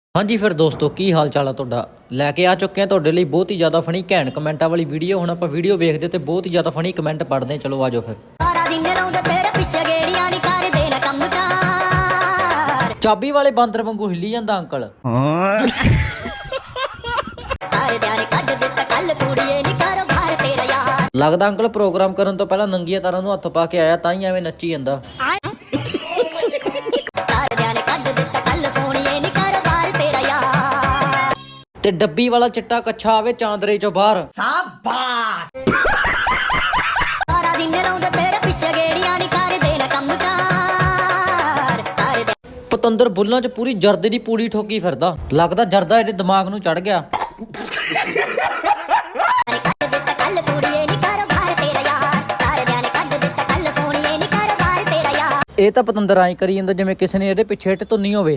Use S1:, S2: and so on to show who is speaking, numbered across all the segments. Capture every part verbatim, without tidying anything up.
S1: ਹਾਂਜੀ ਫਿਰ ਦੋਸਤੋ ਕੀ ਹਾਲ ਚਾਲ ਆ ਤੁਹਾਡਾ। ਲੈ ਕੇ ਆ ਚੁੱਕੇ ਆ ਤੁਹਾਡੇ ਲਈ ਬਹੁਤ ਹੀ ਜ਼ਿਆਦਾ ਫਨੀ ਘੈਂਟ ਕਮੈਂਟਾਂ ਵਾਲੀ ਵੀਡੀਓ। ਹੁਣ ਆਪਾਂ ਵੀਡੀਓ ਵੇਖਦੇ ਤੇ ਬਹੁਤ ਹੀ ਜ਼ਿਆਦਾ ਫਨੀ ਕਮੈਂਟ ਪੜ੍ਹਦੇ। ਚਲੋ ਆਜੋ ਫਿਰ।
S2: ਸਾਰਾ ਦਿਨ ਰੌਂਦਾ ਤੇਰੇ ਪਿੱਛੇ ਗੇੜੀਆਂ ਨਹੀਂ ਕਰਦੇ ਨਾ ਕੰਮ ਕਾਰ।
S1: ਚਾਬੀ ਵਾਲੇ ਬਾਂਦਰ ਵਾਂਗੂ ਹਿੱਲੀ ਜਾਂਦਾ ਅੰਕਲ।
S2: ਤਾਰੇ ਦਿਆਰੇ ਕੱਢ ਦਿੱਤਾ ਕੱਲ ਕੁੜੀਏ ਨੀ ਕਾਰੋਬਾਰ ਤੇਰਾ ਯਾਰ।
S1: ਲੱਗਦਾ ਅੰਕਲ ਪ੍ਰੋਗਰਾਮ ਕਰਨ ਤੋਂ ਪਹਿਲਾਂ ਨੰਗੀਆਂ ਤਾਰਾਂ ਨੂੰ ਹੱਥ ਪਾ ਕੇ ਆਇਆ, ਤਾਂ ਹੀ ਐਵੇਂ ਨੱਚੀ ਜਾਂਦਾ।
S2: ਤਾਰੇ ਦਿਆਰੇ ਕੱਢ ਦਿੱਤਾ ਕੱਲ ਸੋਹਣੀਏ ਨੀ ਕਾਰੋਬਾਰ ਤੇਰਾ ਯਾਰ।
S1: ਤੇ ਡੱਬੀ ਵਾਲਾ ਚਿੱਟਾ ਕੱਛਾ ਆਵੇ ਚਾਂਦਰੇ ਚੋਂ ਬਾਹਰ।
S2: ਸਾਰਾ ਦਿਨ ਰੌਂਦਾ ਤੇਰੇ ਪਿੱਛੇ ਗੇੜੀਆਂ ਨਹੀਂ ਕਰਦੇ ਨਾ ਕੰਮ ਕਾਰ। ਤਾਰੇ
S1: ਪਤੰਦਰ ਬੁੱਲਾਂ 'ਚ ਪੂਰੀ ਜਰਦੇ ਦੀ ਪੂੜੀ ਠੋਕੀ ਫਿਰਦਾ। ਲੱਗਦਾ ਜਰਦਾ ਇਹਦੇ ਦਿਮਾਗ ਨੂੰ ਚੜ ਗਿਆ।
S2: ਕੱਢ ਦਿੱਤਾ ਕੱਲ ਕੁੜੀਏ ਨੀ ਕਾਰੋਬਾਰ ਤੇਰਾ ਯਾਰ। ਤਾਰੇ ਦਿਆਰੇ ਕੱਢ ਦਿੱਤਾ ਕੱਲ ਸੋਹਣੀਏ ਨੀ ਕਾਰੋਬਾਰ ਤੇਰਾ ਯਾਰ।
S1: ਇਹ ਤਾਂ ਪਤੰਦਰ ਐਂ ਕਰੀ ਜਾਂਦਾ ਜਿਵੇਂ ਕਿਸੇ ਨੇ ਇਹਦੇ ਪਿੱਛੇ ਇੱਟ ਧੁੰਨੀ ਹੋਵੇ।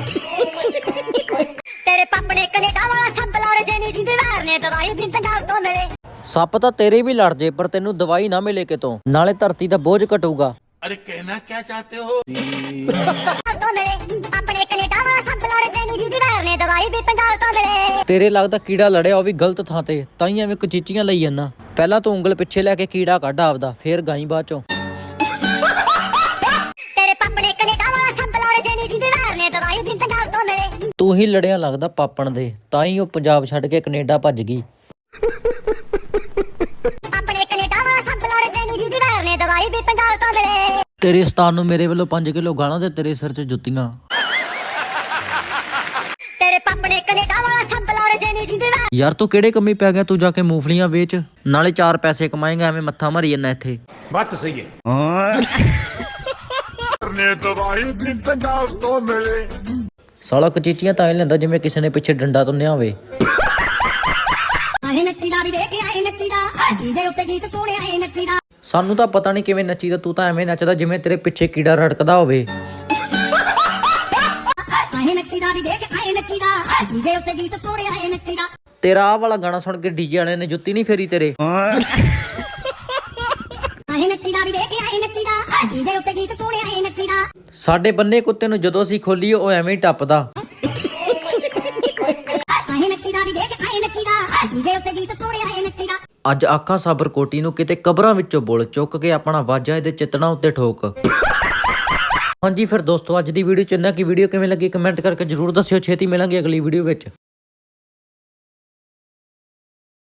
S2: ਤੇਰੇ ਪਾਪ ਨੇ ਕੈਨੇਡਾ ਵਾਲਾ ਸੱਪ ਲੜ ਜੇ ਨੀ ਜਿੰਦੇ ਵਾਰ ਨੇ ਦਵਾਈ ਦਿਨ ਤੰਗਾਲ ਤੋਂ ਮਿਲੇ।
S1: ਸੱਪ ਤਾਂ ਤੇਰੇ ਵੀ ਲੜ ਜੇ ਪਰ ਤੈਨੂੰ ਦਵਾਈ ਨਾ ਮਿਲੇ ਕਿਤੋਂ, ਨਾਲੇ ਧਰਤੀ ਦਾ ਬੋਝ ਘਟੂਗਾ।
S3: अरे कहना क्या चाहते हो?
S2: ਤੋਂ ਮਿਲੇ ਆਪਣੇ ਕੈਨੇਡਾ ਵਾਲਾ ਸੱਪ ਲੜ ਜੇ ਨੀ ਜਿੰਦੇ ਵਾਰ ਨੇ ਦਵਾਈ ਵੀ ਤੰਗਾਲ ਤੋਂ ਮਿਲੇ।
S1: ਤੇਰੇ ਲੱਗਦਾ ਕੀੜਾ ਲੜਿਆ ਉਹ ਵੀ ਗਲਤ ਥਾਂ ਤੇ, ਤਾਂ ਹੀ ਐਵੇਂ ਕਚੀਚੀਆਂ ਲਈ ਜਾਂਦਾ। ਪਹਿਲਾਂ ਤੂੰ ਉਂਗਲ ਪਿੱਛੇ ਲੈ ਕੇ ਕੀੜਾ ਕੱਢ ਆਪਦਾ, ਫੇਰ ਗਾਈ ਬਾਅਦ ਚੋਂ।
S2: ਤੇਰੇ ਪਾਪ ਨੇ ਕੈਨੇਡਾ ਵਾਲਾ ਸੱਪ ਲੜ ਜੇ ਨੀ ਜਿੰਦੇ ਵਾਰ ਨੇ ਦਵਾਈ ਵੀ ਤੰਗਾਲ ਤੋਂ ਮਿਲੇ।
S1: ਤੂੰ ਹੀ ਲੜਿਆ ਲੱਗਦਾ ਪਾਪਣ ਦੇ, ਤਾਂ ਹੀ ਉਹ ਪੰਜਾਬ ਛੱਡ ਕੇ ਕੈਨੇਡਾ ਭੱਜ ਗਈ।
S2: ਆਪਣੇ ਕੈਨੇਡਾ ਵਾਲਾ ਸੱਪ ਲੜ ਜੇ ਨੀ ਜਿੰਦੇ ਵਾਰ ਨੇ ਦਵਾਈ ਵੀ ਤੰਗਾਲ ਤੋਂ ਮਿਲੇ।
S1: ਤੇਰੇ ਉਸਤਾਦ ਨੂੰ ਮੇਰੇ ਵੱਲੋਂ ਪੰਜ ਕਿਲੋ ਗਾਲਾਂ ਤੇ ਤੇਰੇ ਸਿਰ 'ਚ ਜੁੱਤੀਆਂ।
S2: ਤੇਰੇ ਪਾਪ ਨੇ ਕੈਨੇਡਾ ਵਾਲਾ ਸੱਪ ਲੜ ਜੇ ਨੀ ਜਿੰਦੇ ਵਾਰ।
S1: ਯਾਰ ਤੂੰ ਕਿਹੜੇ ਕੰਮੀ ਪੈ ਗਿਆ, ਤੂੰ ਜਾ ਕੇ ਮੂੰਗਫਲੀਆਂ ਵੇਚ, ਨਾਲੇ ਚਾਰ ਪੈਸੇ ਕਮਾਏਗਾ। ਐਵੇਂ ਮੱਥਾ ਮਾਰੀ ਜਾਂਦਾ ਇੱਥੇ।
S3: बात तो सही है। ने दवाई दिन तंगाल तो मिले।
S1: ਸਾਲਾ ਕਚੀਚੀਆਂ ਤਾਂ ਐ ਲੈਂਦਾ ਜਿਵੇਂ ਕਿਸੇ ਨੇ ਪਿੱਛੇ ਡੰਡਾ ਤੁੰਨਿਆ ਹੋਵੇ।
S2: ਆਏ ਨੱਚੀ ਦਾ ਵੀ ਦੇਖ ਕੇ ਆਏ ਨੱਚੀ ਦਾ ਜਿਹਦੇ ਉੱਤੇ ਗੀਤ ਸੁਣਿਆ ਆਏ ਨੱਚੀ ਦਾ।
S1: ਸਾਨੂੰ ਤਾਂ ਪਤਾ ਨਹੀਂ ਕਿਵੇਂ ਨੱਚੀਦਾ, ਤੂੰ ਤਾਂ ਐਵੇਂ ਨੱਚਦਾ ਜਿਵੇਂ ਤੇਰੇ ਪਿੱਛੇ ਕੀੜਾ ਰੜਕਦਾ ਹੋਵੇ।
S2: ਆਏ ਨੱਚੀ ਦਾ ਵੀ ਦੇਖ ਕੇ ਆਏ ਨੱਚੀ ਦਾ ਜਿਹਦੇ ਉੱਤੇ ਗੀਤ ਸੁਣਿਆ ਆਏ ਨੱਚੀ ਦਾ।
S1: ਤੇਰਾ ਆਹ ਵਾਲਾ ਗਾਣਾ ਸੁਣ ਕੇ ਡੀਜੇ ਵਾਲਿਆਂ ਨੇ ਜੁੱਤੀ ਨਹੀਂ ਫੇਰੀ ਤੇਰੇ।
S2: ਆਏ ਨੱਚੀ ਦਾ ਵੀ ਦੇਖ ਕੇ ਆਏ ਨੱਚੀ ਦਾ ਜਿਹਦੇ ਉੱਤੇ ਗੀਤ ਸੁਣਿਆ ਆਏ ਨੱਚੀ ਦਾ।
S1: ਸਾਡੇ ਬੰਨੇ ਕੁੱਤੇ ਨੂੰ ਜਦੋਂ ਅਸੀਂ ਖੋਲੀਏ ਉਹ ਐਵੇਂ ਹੀ ਟੱਪਦਾ।
S2: ਆਏ ਨੱਚੀ ਦਾ ਵੀ ਦੇਖ ਕੇ ਆਏ ਨੱਚੀ ਦਾ ਜਿਹਦੇ ਉੱਤੇ ਗੀਤ ਸੁਣਿਆ ਆਏ ਨੱਚੀ ਦਾ।
S1: ਅੱਜ ਆਖਾਂ ਸਾਬਰ ਕੋਟੀ ਨੂੰ ਕਿਤੇ ਕਬਰਾਂ ਵਿੱਚੋਂ ਬੁੱਲ ਚੁੱਕ ਕੇ ਆਪਣਾ ਵਾਜਾ ਇਹਦੇ ਚਿਤਨਾ ਉੱਤੇ ਠੋਕ। ਹਾਂਜੀ ਫਿਰ ਦੋਸਤੋ ਅੱਜ ਦੀ ਵੀਡੀਓ ਚ ਇੰਨਾ ਕੀ। ਵੀਡੀਓ ਕਿਵੇਂ ਲੱਗੀ ਕਮੈਂਟ ਕਰਕੇ ਜਰੂਰ ਦੱਸਿਓ। ਛੇਤੀ ਮਿਲਾਂਗੇ ਅਗਲੀ ਵੀਡੀਓ ਵਿੱਚ।